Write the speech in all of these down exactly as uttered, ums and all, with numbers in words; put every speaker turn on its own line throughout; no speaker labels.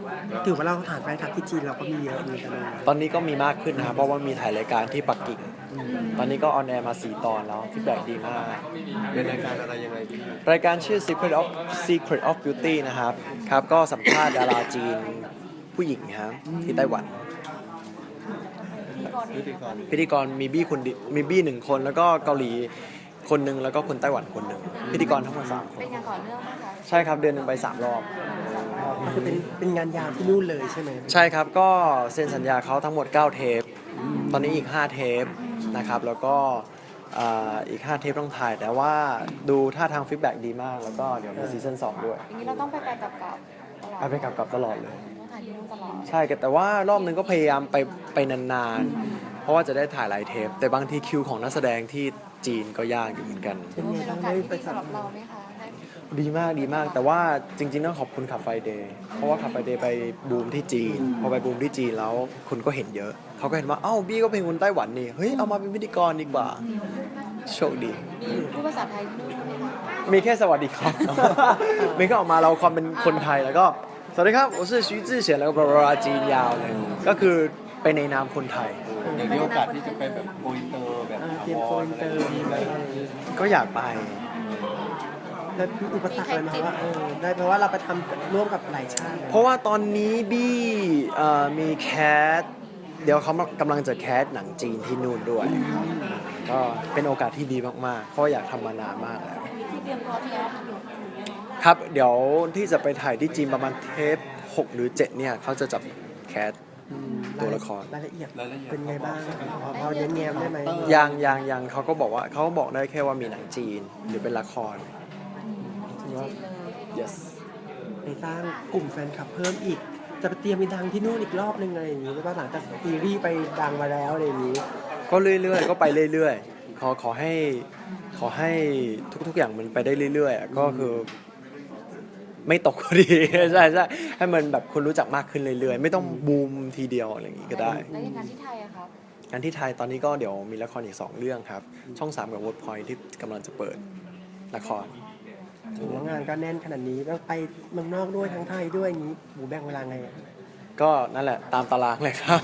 ถือว่าเราฐานแฟนคลับที่จีนเราก็มีเยอะเหมือนกันเลย
ตอนนี้ก็มีมากขึ้นนะครับเพราะว่ามีถ่ายรายการที่ปักกิ่งตอนนี้ก็ออนแอร์มาสี่ตอนแล้วฟีดแบ็กดีมาก
เป็นรายการอะไรยังไงพี่
รายการชื่อ Secret of Secret of Beauty นะครับครับก็สัมภาษณ์ดาราจีนผู้หญิงครับที่ไต้หวัน
พิธีกร
พิธีกรมีบี้คนดิมีบี้หนึ่งคนแล้วก็เกาหลีคนหนึ่งแล้วก็คนไต้หวันคนหนึ่งพิธีกรทั้งหมดสามคน
เป็นงานต่อเนื่องไหมคะ
ใช่ครับเดือนหนึ่งไปสามรอบ
ก็คือเป็นเป็นงานยาวที่นู่นเลยใช่ไหม
ใช่ครับก็เซ็นสัญญาเขาทั้งหมดเก้าเทปตอนนี้อีกห้าเทปนะครับแล้วก็อ่าอีกห้าเทปต้องถ่ายแต่ว่าดูท่าทางฟีดแบ็กดีมากแล้วก็เดี๋ยวมีซีซั่นสองด้วย
อย่างนี้เราต้องไปไปกลับกลับตลอด
ไปไปกลับกลับตลอดเลย
ต้องถ่ายที่นู่นตลอด
ใช่แต่ว่ารอบนึงก็พยายามไปไปนานๆ เพราะว่าจะได้ถ่ายหลายเทป แต่บางทีคิวของนักแสดงที่จีนก็ยากอยู่เหมือนกัน
เป็นไง
เป็นโอ
บ้าง
กาส
ได้
ที่
ไป
ดี
สัม
สำหรับเราไหมคะได้
ดีมากดีมาก แต่ว่าจริงๆต้องขอบคุณขับไฟเดย์เพราะว่าขับไฟเดย์ไปบูมที่จีน พอไปบูมที่จีนแล้วคนก็เห็นเยอะ เขาก็เห็นว่าเอ้าบี้ก็เป็นคนไต้หวันนี่เฮ้ยเอามาเป็นพิธีกรดีกว่าโชคดี
มีพูดภาษาไทยที่นู่นไหมคะ
มีแค่สวัสดีครับ ไม่ก็ออกมาเราความเป็นคนไทยแล้วก็สวัสดีครับผมชื่อ徐志贤แล้วก็บลาบลาจีนยาวเลยก็คือไปในนามคนไทย
อย่างมีโอกาสที่จะไปแบบโกอินเตอร์แบบ
อ่า
ถา
เตรียม
ว
โก
ร
อิน
อะ
เต
ไร
อ
อ
ร์
ย่าง
มี
นี้
ไหม
ก็อยากไป
แล้วมีอุปสรรคอะไรไหมาว่าเออได้เพราะว่าเราไปทำร่วมกับหลายชาติเลย
เพราะว่าตอนนี้บี้เอ่อมีแคสเดี๋ยวเขากำลังจะแคสหนังจีนที่นู่นด้วย ก็เป็นโอกาสที่ดีมากๆ เพราะอยากทำมานานมากแล้ว
ที่เตรียมตัวที่แล้ว
ครับเดี๋ยวที่จะไปถ่ายที่จีนประมาณเทปหกหรือเจ็ดเนี่ยเขาจะจับแคส
อืม
ตัวละคร
รายละเอียด
รายละเอียด
เป็นไงบ้างพอพอเน้นแง้มได้ไหม
ยังยังยังเขาก็บอกว่าเขาบอกได้แค่ว่ามีหนังจีนหรือเป็นละคร
ถือว่า
จีนเลย
yes
ไปสร้างกลุ่มแฟนคลับเพิ่มอีก จะไปเตรียมไปดังที่นู่นอีกรอบนึงอะไรอย่างนี้หรือว่าหลังจากซีรีส์ไปดังมาแล้วอะไรอย่างนี้
ก็เรื่อยๆ ก็ไปเรื่อยๆ ขอขอให้ขอให้ทุกๆ อย่างมันไปได้เรื่อยๆอะก็คือ ไม่ตกก็ดี ใช่ใช่ให้มันแบบคนรู้จักมากขึ้นเรื่อยๆ ไม่ต้องบูมทีเดียวอะไรอย่างงี้ก็ได้
แล้วอย่างงานที่ไทยอะครับ
งานที่ไทยตอนนี้ก็เดี๋ยวมีละครอีกสองเรื่องครับ ช่องสามกับ Workpoint ที่กำลังจะเปิดละคร
ถือว่างานก็แน่นขนาดนี้แล้วไปเมืองนอกด้วยทั้งไทยด้วยอย่างนี้หมูแบ่งเวลาไงอะ
ก็นั่นแหละตามตารางเลยครับ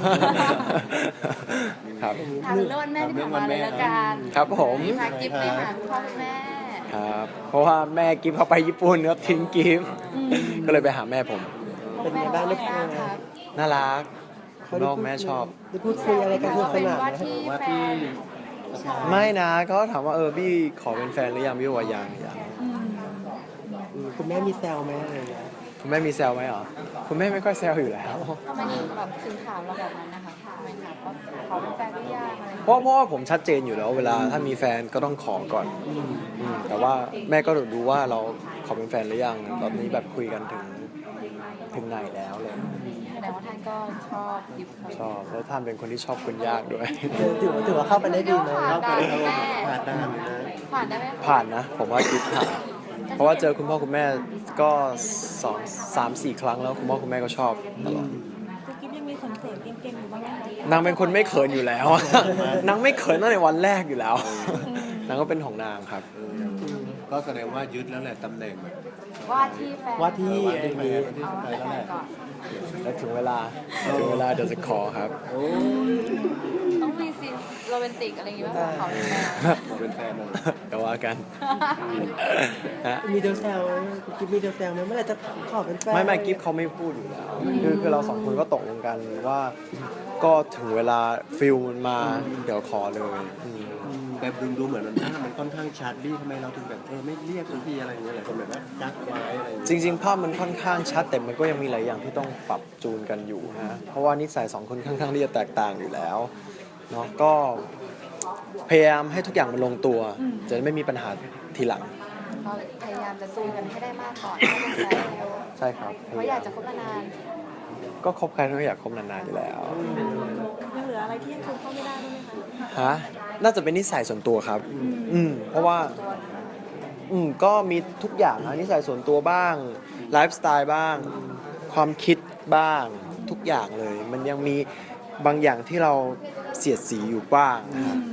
ครับ
ถามเรื่องวันแม่ที่ผ่านมาเลยละกัน
ครับผม
มีพากิฟต์ไปหาคุณพ่อคุณแม่
ครับ เพราะว่าแม่กิฟเขาไปญี่ปุ่นครับทิ้งกิฟก็เลยไปหาแม่ผม
เป็นไงบ้างได้คุย
บ้าง
ไง
ครับ
น่ารักคุณพ่อคุณแม่ชอบ
ได้พูดคุยอะไรกันสนุกส
เป็น
นาน
ว่า
ไหม
ที่
ว่า
แฟ
ที่
น
ไม่นะเขาถามว่าเออบี้ขอเป็นแฟนหรือยังบี้บอกว่ายังยัง
อืมคุณแม่มีแซวไหมอะไรอย่างเงี้ย
คุณแม่มีแซวไหมเหรอคุณแม่ไม่ค่อยแซวอยู่แล้ว
ทำไมถึงแบบถึงถามเราแบบนั้นนะคะทำไมถามว่าขอเป็นแฟนหรือยังอะไรอย่าง
เพ
เงี้ย
ราะเพราะว่าผมชัดเจนอยู่แล้วเวลาถ้ามีแฟนก็ต้องขอก่อนอืมแต่ว่าแม่ก็รู้ว่าเราขอเป็นแฟนหรือยังตอนนี้แบบคุยกันถึงถึงไหนแล้วเลย
แสดงว่าท่านก็ชอบกิฟต์
ชอบแล้วท่านเป็นคนที่ชอบคนยากด้วย
ถือว่าถือว่าเข้าไปได้ดีไหม
ผ่านได้แม่
ผ่านด่านเลยนะ
ผ่านได้ไหม
ผ่านนะ ผมว่ากิฟผ่านเพราะว่าเจอคุณพ่อคุณแม่ก็สองสามสี่ครั้งแล้วคุณพ่อคุณแม่ก็ชอบตลอด
กุ๊กกิ๊บยังมีเขินๆเก่งๆอยู่บ้างไหมคะ
นางเป็นคนไม่เขินอยู่แล้ว นางไม่เขินตั้งแต่วันแรกอยู่แล้ว นางก็เป็นของนางครับ
เออก็แสดงว่ายึดแล้วแหละตำแหน่งแบบ
ว่าที่แฟน
ว่าที่
ว่า
อะไร
ที่
อย่าง
แฟ
งี้
นว่าที่
เอา
แฟ
ว่าน
แล้ว
แต่
แหละ
แฟนก่อน
แล้วถึงเวลาถึงเวลาเดี๋ยวจะขอครับ
โอ้
ต้องมีซีนโรแมนติกอะไรอย่างเงี้ยว่าขอเป็นแฟน
ขอเป็นแฟนเลย
เดี๋ยวว่ากันฮะ
มีเดลแซวไหมกิฟมีเดลแซวไหมเมื่อไหร่จะขอเป็นแฟน
ไม่ไม่กิฟเขาไม่พูดอยู่แล้ว คือคือเราสองคนก็ตกลงกันว่า ก็ถึงเวลาฟิลมันมาเดี๋ยวขอเลยอืม
แต่ดูดูเหมือนมันภาพมันค่อนข้างชัดบี้ทำไมเราถึงแบบเออไม่เรียกสักทีอะไรอย่างเงี้ยหลายคนแบบว่ากักไว้อะไรอย่าง
จ
เงี้ย
ริงๆ ภาพมันค่อนข้างชัด แต่มันก็ยังมีหลายอย่างที่ต้องปรับจูนกันอยู่นะ เพราะว่านิสัยสองคนค่อนข้างที่จะแตกต่างอยู่แล้วเนาะก็พยายามให้ทุกอย่างมันลงตัว จะได้ไม่มีปัญหาทีหลัง
เราพยายามจะจูนกันให้ได้มากก่อนให้เป็นแฟนแล้ว
ใช่ครับ
เพราะอยากจะคบนาน
ก็คบใครก็อยากคบนานๆอยู่แล้ว
ยังเหลืออะไรที่ยังคืนเข้าไม่ได้ด้วยไหมคะ
ฮะ น่าจะเป็นนิสัยส่วนตัวครับ อืม เพราะว่า อืม ก็มีทุกอย่างนะนิสัยส่วนตัวบ้าง ไลฟ์สไตล์บ้าง ความคิดบ้าง ทุกอย่างเลย มันยังมีบางอย่างที่เราเสียดสีอยู่บ้างนะครับ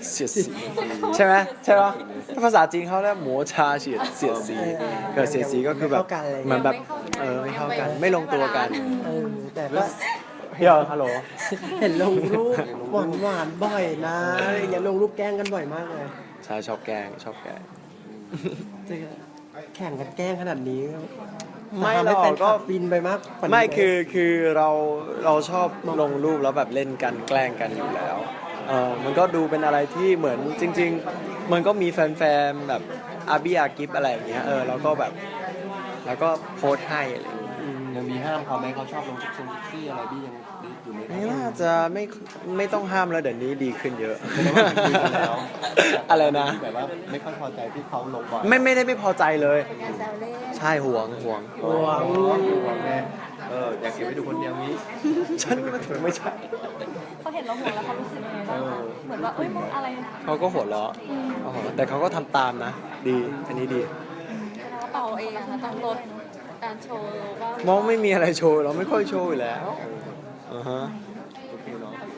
เสียดสีใช่ไหมใช่ปะถ้าภาษาจีนเขาเรียกหมัวชาเสียดเสียดสีเกิดเสียดสีก็คือแบบเหมือนแบบเออไม่เข้ากันไม่ลงตัวกัน
เออแต่ก็
เดี๋ยวฮัลโหล
เห็นลงรูปหวานหวานๆบ่อยนะอะไรอย่างเงี้ยลงรูปแกล้งกันบ่อยมากเลย
ใช่ชอบแกล้งชอบแกล้ง
จะแข่งกันแกล้งขนาดนี้
ไม่หรอก
ทำให้แฟนค
ก็
ลับฟินไปมากกว่านี้
ไม่คือคือเราเราชอบลงรูปแล้วแบบเล่นกันแกล้งกันอยู่แล้วเออมันก็ดูเป็นอะไรที่เหมือนจริง ๆ มันก็มีแฟนๆแบบอาบีอากิฟอะไรอย่างเงี้ยเออแล้วก็แบบแล้วก็โพสต์ให้อะไรอย่างเงี้ย
ยังมีห้ามเขาไหมเขาชอบลงเซ็กซี่อะไรบี้ยังอยู่ไหม
ไม่น่าจะไม่ไม่ต้องห้ามแล้วเดี๋ยวนี้ดีขึ้นเยอะ
แสดงว่าคุยกันแล้ว
อะไรนะ
แบบว่าไม่ค่อยพอใจที่เขาลงบ่อย
ไม่ไม่ได้ไม่พอใจเลย
งานแซวเล่น
ใช่ห่วงห่วง
โอ้โหแม่เอออยากเก็บไว้ดูคนเดียวนี้
ฉันไม่ถึงไม่ใช่
เขาเห็นเราห่วงแล้วเขารู้สึกยังไงบ้างคะเหมือนว่าเอ้ยมึงอะไร
เขาก็หัวเราะเขาหัวเราะแต่เขาก็ทำตามนะ ดีอันนี้ดี
แล้วเป่าเองนะคะต้องลดการโชว์ว่าม
องไม่มีอะไรโชว์เราไม่ค่อยโชว์อยู่แล้วอ่าฮะ
โอเคเนาะ
โอเค